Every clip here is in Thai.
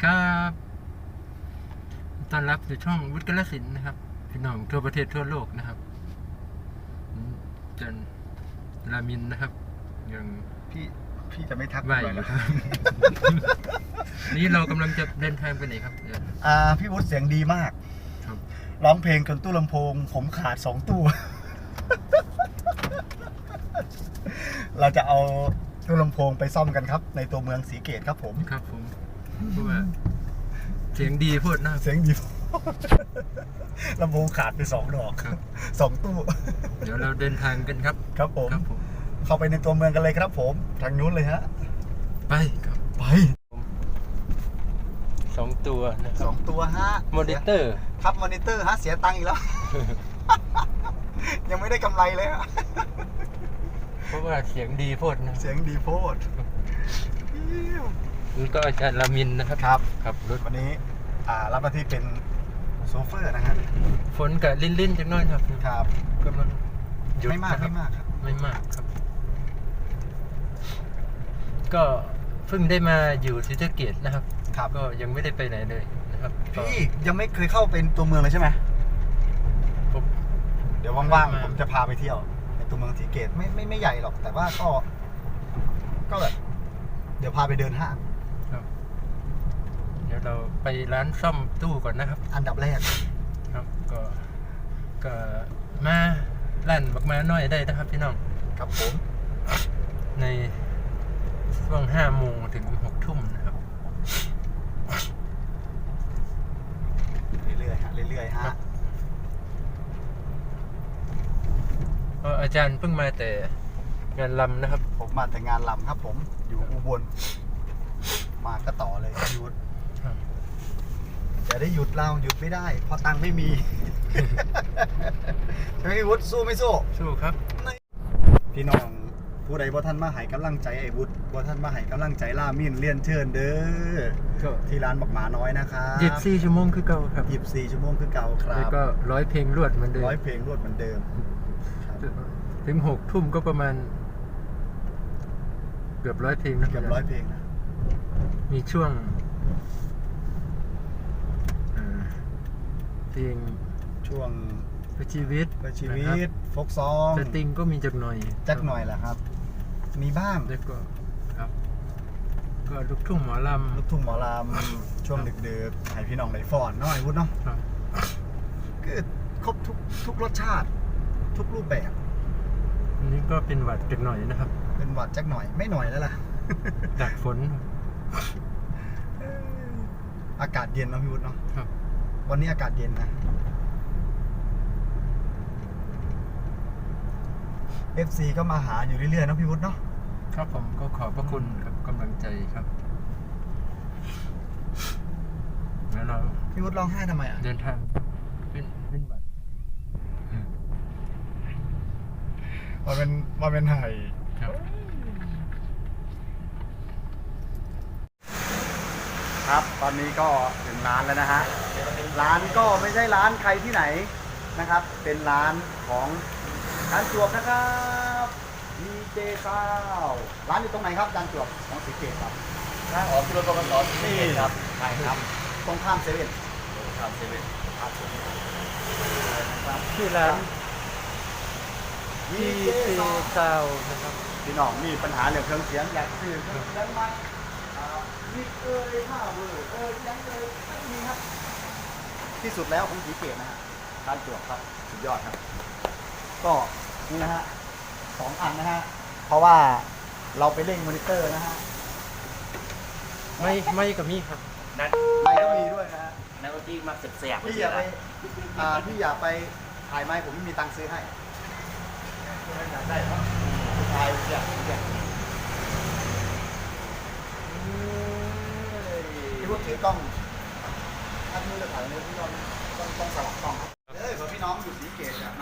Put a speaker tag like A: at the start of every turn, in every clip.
A: ครับต้อนรับสู่ช่องวุฒิกาฬสินธุ์นะครับพี่น้องทั่วประเทศทั่วโลกนะครับจันรามินนะครับยัง
B: พี่จะไม่ทัก
A: ไหวอยู่ครับ นี่เรากำลังจะเดินทางไปไหนครับ
B: พี่วุฒิเสียงดีมาก
A: ครับ
B: ร้องเพลงจนตู้ลำโพงผมขาด2 ตู้ เราจะเอาตู้ลำโพงไปซ่อมกันครับ ในตัวเมืองศรีเกตครับผม
A: ครับผมเพราะว่าเสียงดีพูดนะ
B: เสียงดี ลำโพงขาดไป2 ดอก
A: ครับ
B: 2 ตู้
A: เดี๋ยวเราเดินทางกันครับ
B: ครับผม
A: ครับผม
B: เข้าไปในตัวเมืองกันเลยครับผมทางนู้นเลยฮะ
A: ไปครับ
B: ไป
A: 2 ตัวนะครับ
B: 2 ตัวฮะ
A: มอนิเตอร์
B: ครับมอนิเตอร์ฮะเสียตังค์อีกแล้ว ยังไม่ได้กำไรเลยฮะ
A: เพราะว่าเสียงดีพูดนะ
B: เสียงดีโพด
A: นี่ก็อาจารย์รามินนะครับ
B: ครับ
A: ครับรถ
B: วันนี้รับหน้าที่เป็นโซเฟอร์นะฮะ
A: ฝนกับลิ้นๆจังน้อยครับ
B: ครับ
A: กำลังหยุด
B: ไม่มาก
A: นะครับ
B: ไม่มากครับ
A: ไม่มากครับ ก็เพิ่งได้มาอยู่ศรีสะเกษนะครับ
B: ครับ
A: ก็ยังไม่ได้ไปไหนเลยนะครับก็
B: พี่ยังไม่เคยเข้าเป็นตัวเมืองเลยใช่ไหม
A: ผม
B: เดี๋ยวว่างๆผมจะพาไปเที่ยวในตัวเมืองศรีเกตไม่ใหญ่หรอกแต่ว่าก็แบบเดี๋ยวพาไปเดินห้าง
A: ครับ เดี๋ยวเราไปร้านซ่อมตู้ก่อนนะครับ
B: อันดับแรก
A: ครับก็มาลั่นบักมาน้อยได้นะครับพี่น้อง
B: ครับผม
A: ในช่วง5 โมงถึง6 ทุ่มนะครับ
B: เรื่อยๆฮะเรื่อยๆฮะ
A: ก็อาจารย์เพิ่งมาแต่งานลำนะครับ
B: ผมมาแต่งานลำครับผมอยู่อุบลมาก็ต่อเลยหยุด
A: ครับ
B: จะได้หยุดเราหยุดไม่ได้เพราะตังค์ไม่มี ใช่ไหมพี่วุฒิสู้ไม่สู้
A: สู้ครับ
B: พี่น้องผู้ใดบ่ท่านมาให้กำลังใจไอ้วุฒิบ่ท่านมาให้กำลังใจล่ามินเลียนเชิญเด้อ
A: ก็
B: ที่ร้านบักหมาน้อยนะครับ
A: 24 ชั่วโมงคือเก่าครับ
B: 24 ชั่วโมงคือเก่าครั
A: แล้ว
B: บ
A: ก็100 เพลงรวดเหมือนเดิม
B: 100 เพลงรวดเหมือนเดิมครับ
A: ถึง6 ทุ่มก็ประมาณเกือบ100 เพลงนะ
B: เกือบ100 เพลงนะ
A: มีช่วงเพลง
B: ช่วง
A: เพื่อชีวิต
B: เพื่อชี
A: นะ
B: วิ
A: ครับ
B: ตโฟกซอง
A: สตริงก็มีจักหน่อย
B: จักหน่อยแหละครับ มีบ้าง
A: แล้วก็ครับ ก็ลูกทุ่งหมอล
B: ลูกทุ่งหมอลำช่วงดึกๆให้พี่น้องได้ฟ้อนเนาะไอ้วุฒิเนาะ
A: ำครับ
B: คือครบทุกรสชาติ ทุกรูปแบบ
A: อันนี้ก็เป็นหวัดจักหน่อยนะครับ
B: เป็นหวัดจักหน่อยไม่หน่อยแล้วล่ะ
A: จากฝน
B: อากาศเย็นเนาะพี่วุฒิเนาะ
A: ครับ
B: วันนี้อากาศเย็นนะ FC ก็มาหาอยู่เรื่อยๆเนาะพี่วุฒิเนาะ
A: ครับผมก็ขอบพระคุณครับกำลังใจครับแล้วเรา
B: พี่วุฒิร้องไห้ทำไมอ่ะ
A: เดินทางเป็นหวัด
B: มาเป็นไห่
A: ครับ
B: ครับ ตอนนี้ก็ถึงร้านแล้วนะฮะ ร้านก็ไม่ใช่ร้านใครที่ไหนนะครับ เป็นร้านของร้านจวบนะครับมีเจข้าวร้านอยู่ตรงไหนครับร้านจวบของศรีเกตครับ
C: ทางออกกิโลกรัมละ2ครับใช่ครับ
B: ตรงข้ามเซเว่น
C: ครับเซเว่น
B: ครับผมนะครับ
A: ที่ร้าน
B: มี
A: ที่
B: เจ
A: ซี
B: ข้าว
A: ซาวนะครับ
B: พี่น้องมีปัญหาเรื่องเครื่องเสียงอยากซื้อเครื่องเสียงใหม่มีผ้าเวอร์ยังไม่มีครับที่สุดแล้วของศรีเกตนะฮะร้านจวบครับสุดยอดครับ ก็นี่นะฮะ2 อันนะฮะเพราะว่าเราไปเร่งมอนิเตอร์นะฮะ
A: ไม่กับมีครับ
C: นัด
B: ไมค์ก็มีด้วยนะฮะ
C: นัดที่มาเสียบๆ
B: พี่อย่าไปพี่อย่าไปถ่ายไมค์ผมไม่มีตังค์ซื้อให้อยากได้ครับถ่ายอยากพี่วุฒิถือกล้องถ้าพี่จะถ่ายในพี่ต้องสลับกล้องครับเฮ้ยเพราะพี่น้องอยู่สีเกตมา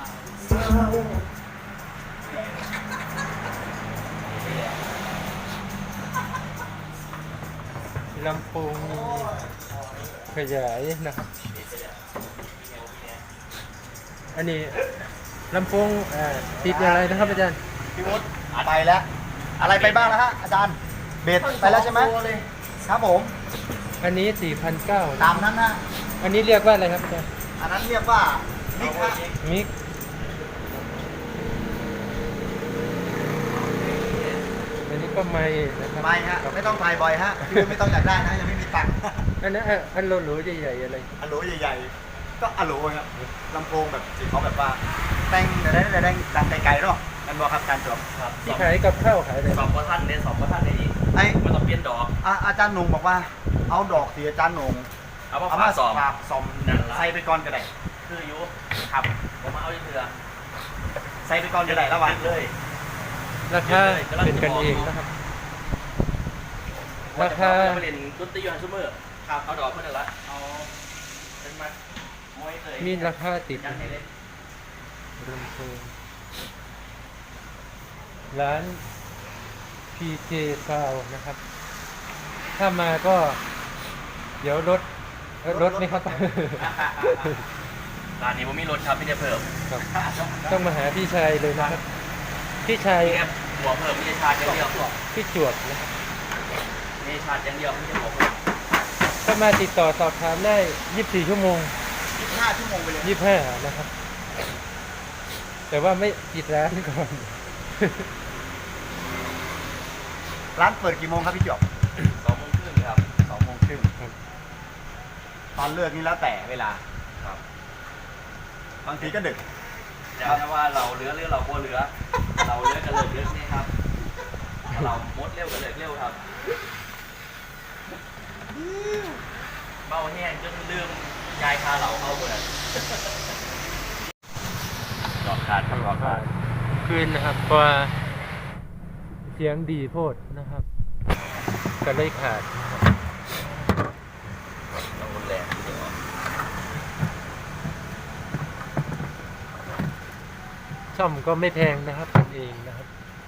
A: ลำโพงมีขยายนะครับ อันนี้ลำโพงติดอะไรนะครับอาจารย์
B: พี่วุฒิไปแล้ว อะไรไปบ้างแล้วฮะอาจารย์เบสไปแล้วใช่ไหมครับผม
A: อันนี้ 4,900
B: ตามนั้นนะ
A: อันนี้เรียกว่าอะไรครับอาจารย์
B: อันนั้นเรียกว่ามิกฮะ
A: มิกอันนี้ก็ไม่นะครับ
B: ไม่ฮะไม่ต้องถ่ายบ่อยฮะคือไม่ต้องอยากได้นะยังไม่มีตังค์
A: อันนั้นอันโหลๆใหญ่ๆอะไร
B: อะโหลใหญ่ๆก็อะโหลครับลำโพงแบบที่เขาแบบว่าแต่งแต่ได้ดังไกลๆเนาะนั่นบอกครับการจบ
C: ครับ
A: ที่ขายกับข้าวขายอะไร
C: สองประท่านเนี่ยสองประท่านในนี้
B: ไอ้
C: มันต้องเปลี่ยนดอก
B: อาจารย์หนงบอกว่าเอาดอกสีอาจารย์หนง
C: เอามา
B: เอา
C: ฝา
B: มา
C: สอง
B: ฝากซอม
C: นั่นละ
B: ใส่ไปก่อนก็ได้
C: คืออยู่ครับผมมาเอาที่เรือ
B: ใส่ไปก่อนก็ได้ระหว่าง
C: เลย
A: ราคาเป็นกันเองนะครับ ราคา
C: ไปเรียนดนตรียูฮันซูเมอร์ครับเอาดอกเพื่อนละเอาเป็นมัดมวยเลย
A: มีราคาติด
C: ยันให้เลย
A: ลำโพงร้าน PJ Sound นะครับ ถ้ามาก็เดี๋ยวรถไหมครับ
C: ร้านนี้ผมมีรถครับพี่จะเพิ่ม
A: ครับ ต้องมาหาพี่ชายเลยนะครับ พี่ชาย
C: มีแค่หัวเพิ่มมีชาร์จอย่างเดียว
A: พี่จวดนะครับ
C: มีชาร์จอย่างเดียวไม่ใช่หัวเพิ่ม
A: ถ้ามาติดต่อสอบถามได้ 24 ชั่วโมง
B: 25 ชั่วโมงไปเลย
A: 25 นะครับ แต่ว่าไม่ปิดร้านก่อน
B: ร้านเปิดกี่โมงครับพี่จบ
C: 2:30ครับ
B: 2:30
A: ครับ
B: ตอนเลิกนี่แล้วแต่เวลา
C: ครับ
B: บางทีก็ดึก
C: แต่ถ้าว่าเราเรือหรือเรากลัวเรือ เราเรือกันเลยเรือนี่ครับเรามดเร็วกันเลยเร็วครับเบาแห้งจนลืมยายคาเหล่าเข้าหมดเลยดอกขาดครับดอกขาด
A: คืนนะครับเพราะว่าเสียงดีโพดนะครับ ก็เลยขาดนะครับ
C: ต้องรุนแรงทีเดียว
A: ช่อมก็ไม่แพงนะครับทำเองนะครับ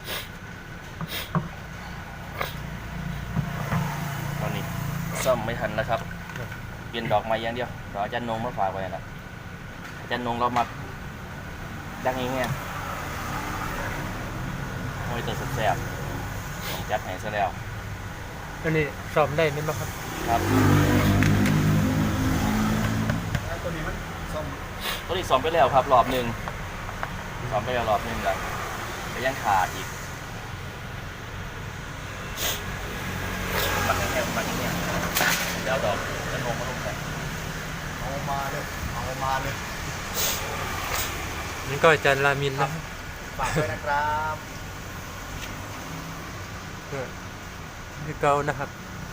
C: ตอนนี้ซ่อมไม่ทันแล้วครับ เปลี่ยนดอกไม้อย่างเดียวรออาจารย์นงมาฝากไว้นะอาจารย์นงเรามาดังอย่างเงี้ยมวยตัวแสบๆผมจัดให้ซะแล้ว
A: อันนี้สอบได้ไหมครับ
C: ครับ
B: แล้วตัวนี้มันส้ม
C: ตัวนี้ซ้อมไปแล้วครับรอบหนึ่งซ้อมไปแล้วรอบหนึ่งแล้วแต่ยังขาดอีกมันแค่มันเนี่ยแล้วดอกจะนงมาลงไป
B: เอามาเลยเอามาเลย
A: นี่ก็อาจารย์รามินนะครับ
B: ฝากด้วยนะครับ
A: คือเกานะครับ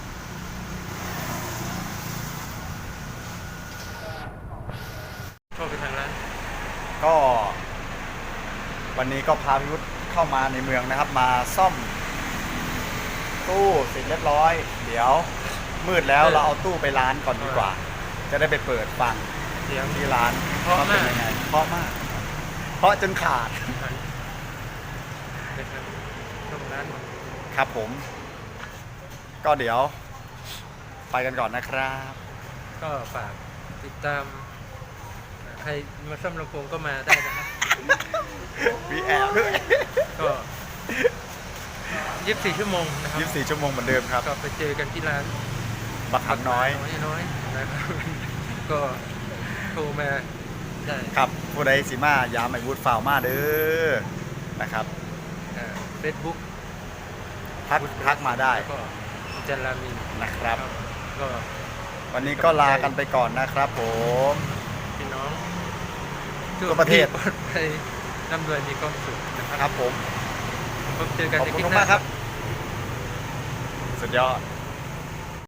A: เข้าไปทางร้าน
B: ก็วันนี้ก็พาพิวุฒิเข้ามาในเมืองนะครับ มาซ่อมตู้เสร็จเรียบร้อย เดี๋ยวมืดแล้วเราเอาตู้ไปร้านก่อนดีกว่า จะได้ไปเปิดฟัง
A: เสียง
B: ที่ร้าน
A: เพราะ
B: ว่าเป็น
A: มาก
B: ยังไงเพราะมาก เพราะจนขาด
A: นะครับตรงร้าน
B: ครับผม ก็เดี๋ยวไปกันก่อนนะครับ
A: ก็ฝากติดตาม ใครมาซ่อมลำโพงก็มาได้นะครับ
B: วีแอบด้วย
A: ก็24 ชั่วโมงนะครับ
B: 24 ชั่วโมงเหมือนเดิมครับ
A: ก็ไปเจอกันที่ร้าน
B: บักหันน้อย
A: น้อยนะครับ ก็โทรมาได้
B: ครับผู้ใดสิมายามไอวูดฟาวมาเด้อนะครับ
A: เฟซบุ๊ก
B: ทักมาได้
A: แล้วก็อาจารย์รามิน
B: นะครับ
A: ก็
B: วันนี้ก็ลากันไปก่อนนะครับผม
A: พี่น้อง
B: ทั่วประเทศ
A: ปลอดภัยร่ำรวยมีความสุขนะค
B: ค
A: รั
B: รั
A: บบ
B: ผม
A: พบเจอกัน
B: ขอบ
A: ใน
B: คุ
A: คลิ
B: ณ
A: ปหน้า
B: มากครับ สุดยอด